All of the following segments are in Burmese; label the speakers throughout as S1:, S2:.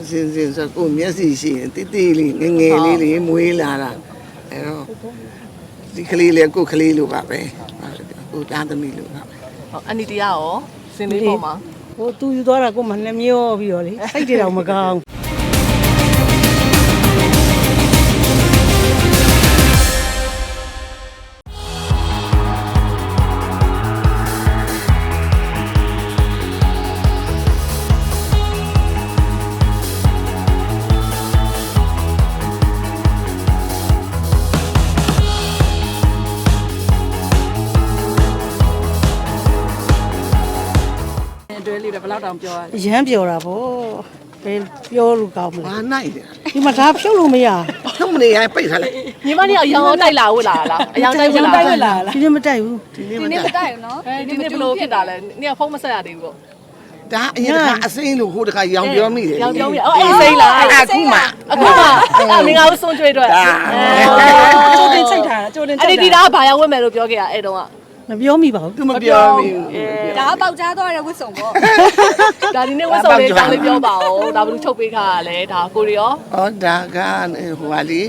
S1: စင်ဆိုကိုမျက်စိရှိရင်တိတိလေးငငယ်လေးလေးမွေးလာတာအဲ့တော့ဒီကလေးလေးကိုကလေးလိုပါပဲကိုသားသမီးလိုပါပဲ
S2: ဟုတ်အန်တီတရားရောစင်လေးပေါ်မှာ
S3: ဟိုသူယူသွားတာကိုမှနှမျောပြီးတော့လေစိတ်တွေတော့မကောင်း
S2: တွဲလေးတော့ဘယ်လောက်တောင်ပြောရလဲ
S3: ရမ်းပြောတာဗောဘယ်ပြောလို့ကောင်းမလဲ
S1: ဘာနိုင်တယ်
S3: ဒီမှာဒါဖြုတ်လို့မရ
S1: ထုံးမနေရပိတ်ထားလိုက်
S2: ညီမလေးအရောင်တိုက်လာဝတ်လာလားအရောင်တိုက်ဝတ်လာ
S3: ဒီနေ့မတိုက်ဘူး
S1: ဒီနေ့
S4: ဒီ
S1: မ
S4: နေ့မ
S1: တက်
S4: တိုက်ဘူးနော်
S2: ဒီနေ့ဘလို့ဖြစ်တာလဲနေ့ကဖုန်းမဆက်ရသေးဘူးပေါ့
S1: ဒါအရင်ကအစိမ်းလို့ဟိုတခါရောင်ပြောမိတယ်
S2: ရောင်ပြောမိအော်အေးစိမ့်လား
S1: အခုမှ
S2: အခုမှမင်္ဂလာဦးဆုံးကျွေးအတွက်
S1: ဒါ
S3: ကျိုးတင်ချိတ်ထားတာကျိုးတင်
S2: အန်တီတရားဘာရောက်ဝတ်မယ်လို့ပြောခဲ့ရအဲ့တုန်းက
S3: မပြောမိပါဘူး
S1: သူမပြောမိဘူး
S4: ဒါကပေါက်ကြားသွားတဲ့ဝတ်စုံပေါ့
S2: ဒါဒီနေ့ဝတ်စုံလေးတောင်းလေးပြောပါဦးဒါဘယ်လိုချုပ်ပေးခါရလဲဒါကိုရီရော
S1: ဟောဒါကဟိုဟာလေ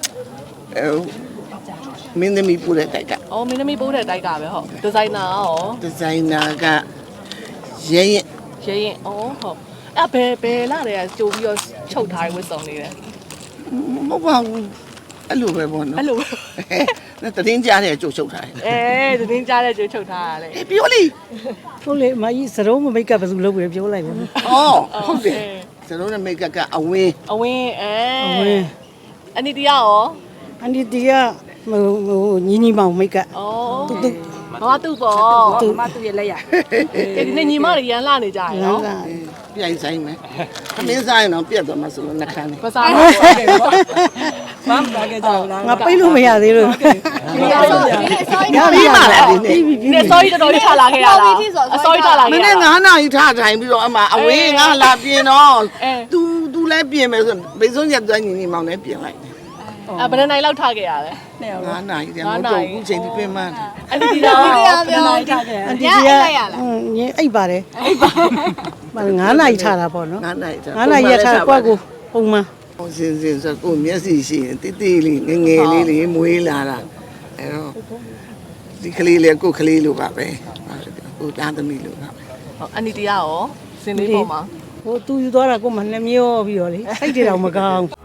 S1: မင်းသမီးပူတဲ့တိုက်က
S2: အော်မင်းသမီးပိုးတဲ့တိုက်ကပဲဟုတ်ဒီဇိုင်နာရော
S1: ဒီဇိုင်နာကရဲရဲ
S2: ရဲရင်အော်ဟုတ်အဲ့ဘယ်လာတယ်ကြိုပြီးတော့ချုပ်ထားတဲ့ဝတ်စုံလေးလဲ
S1: မဟုတ်ပါဘူးအဲ့လိုပဲပေါ့နော်
S2: အဲ့လို
S1: တတင်းကြားတဲ့ကြိုချုပ်ထားတယ်
S2: အဲသတင်းကြားတဲ့ကြိုချုပ်ထားရလဲ
S1: ပြောလိ
S3: ဟုတ်လေမကြီးစရုံးမမိတ်ကပ်ဘယ်သူလုပ်ပြီးပြောလိုက်ပါမယ်
S1: ဩဟုတ်တယ်ကျွန်တော်တို့မိတ်ကကအဝင်း
S2: အဝင်းအဲ
S3: အဝင်း
S2: အန်တီတရားရော
S3: အန်ဒီတီကဟိုညီညီမောင်မိတ်ကပ်
S2: အော်သူဘာသူ့ပေါ့
S4: သူမသူ့ရဲ့လက်ရ
S2: ဒီနေ့ညီမတွေရန်လာနေကြရနော်
S1: ပြိုင်ဆိုင်မယ်သမင်းဆိုင်တော့ပြတ်သွားမှဆိုလို့နှခမ်းနေ
S2: မစားဘူးဟုတ်တယ်ပေါ့
S4: မမပါခဲ့ကြဘူးလား
S3: ငါပိတ်လို့မရသေးလို့
S2: ဒီနေ့ဆိုဒီနေ့စော
S1: ရပြီပါလားဒီနေ့
S2: ဒီနေ့စောကြီးတော်တော်ကြီးထားလာခဲ့ရတာအစောကြီးထားလာ
S1: မ
S2: ခဲ့ရ
S1: နေ့
S2: တာ
S1: 9နာရီထားထိုင်ပြီးတော့အမအဝင်းငါလာပြင်တော့ तू လည်းပြင်မယ်ဆိုဘေးစုံရက်သွန်းညီညီမောင်လည်းပြင်လိုက်
S2: ဘယ်နိုင်လောက်ထားခဲ့ရလဲ
S1: 9နာရီတည်းမဟုတ်တော့ဘူးချိန်ဒီပြင်မှန်း
S2: အန်တီတရား
S4: ပြော
S3: အန်တီတီကညအိပ်ပါတယ်အိပ်ပါ9နာရီထားတာပေါ့နော်
S1: 9နာရီ
S3: 9နာရီရထားကွက်ကိုပုံမှန်
S1: စင်ဆိုကိုမျက်စိရှိရင်တိတိလေးငငယ်လေးလေးမွေးလာတာအဲ့တော့ဒီကလေးလေးကိုကလေးလိုပါပဲကိုသားသမီးလိုပါပဲ
S2: ဟုတ်အန်တီတရားရောစင်လေးပေါ်မှာ
S3: ဟိုသူယူသွားတာကိုမှနှမျောပြီးတော့လေစိတ်တွေတော့မကောင်း